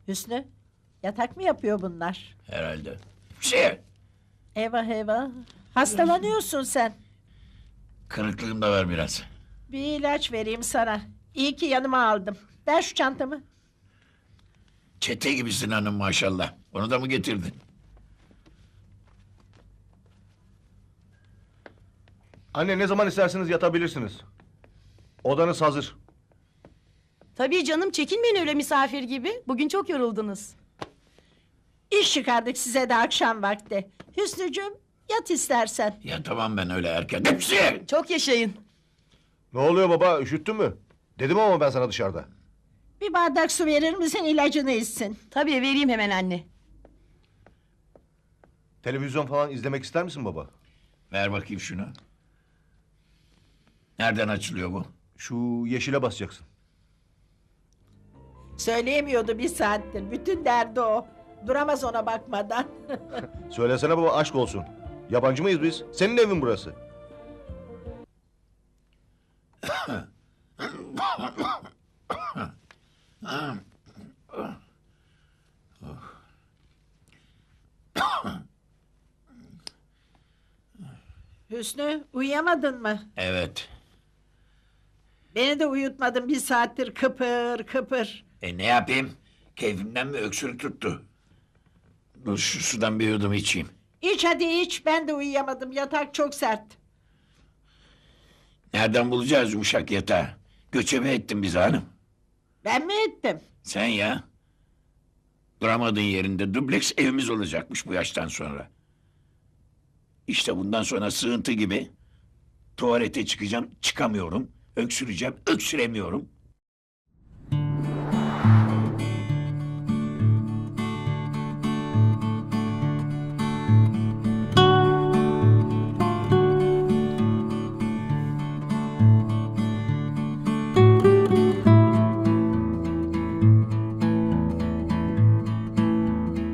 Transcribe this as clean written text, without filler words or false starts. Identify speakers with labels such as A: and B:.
A: Hüsnü, yatak mı yapıyor bunlar?
B: Herhalde. Bir şey.
A: Eyvah eyvah. Hastalanıyorsun sen.
B: Kırıklığım da var biraz.
A: Bir ilaç vereyim sana. İyi ki yanıma aldım. Ver şu çantamı.
B: Çete gibisin hanım maşallah. Onu da mı getirdin?
C: Anne ne zaman isterseniz yatabilirsiniz. Odanız hazır.
D: Tabii canım, çekinmeyin öyle misafir gibi. Bugün çok yoruldunuz.
A: İş çıkardık size de akşam vakti. Hüsnücüğüm, yat istersen.
B: Ya tamam ben öyle erken. Hepsi.
D: Çok yaşayın.
C: Ne oluyor baba, üşüttün mü? Dedim ama ben sana dışarıda.
A: Bir bardak su verir misin, ilacını içsin.
D: Tabii vereyim hemen anne.
C: Televizyon falan izlemek ister misin baba?
B: Ver bakayım şunu. Nereden açılıyor bu?
C: Şu yeşile basacaksın.
A: Söyleyemiyordu bir saattir. Bütün derdi o. Duramaz ona bakmadan.
C: Söylesene baba, aşk olsun. Yabancı mıyız biz? Senin evin burası.
A: Hüsnü, uyuyamadın mı?
B: Evet.
A: Beni de uyutmadın bir saattir kıpır kıpır.
B: Ne yapayım? Keyfimden mi öksürük tuttu? Dur şu sudan bir yudum içeyim.
A: İç hadi iç, ben de uyuyamadım. Yatak çok sert.
B: Nereden bulacağız yumuşak yatağı? Göçebe ettin bizi hanım.
A: Ben mi ettim?
B: Sen ya. Duramadığın yerinde dubleks evimiz olacakmış bu yaştan sonra. İşte bundan sonra sığıntı gibi tuvalete çıkacağım, çıkamıyorum. Öksüreceğim, öksüremiyorum.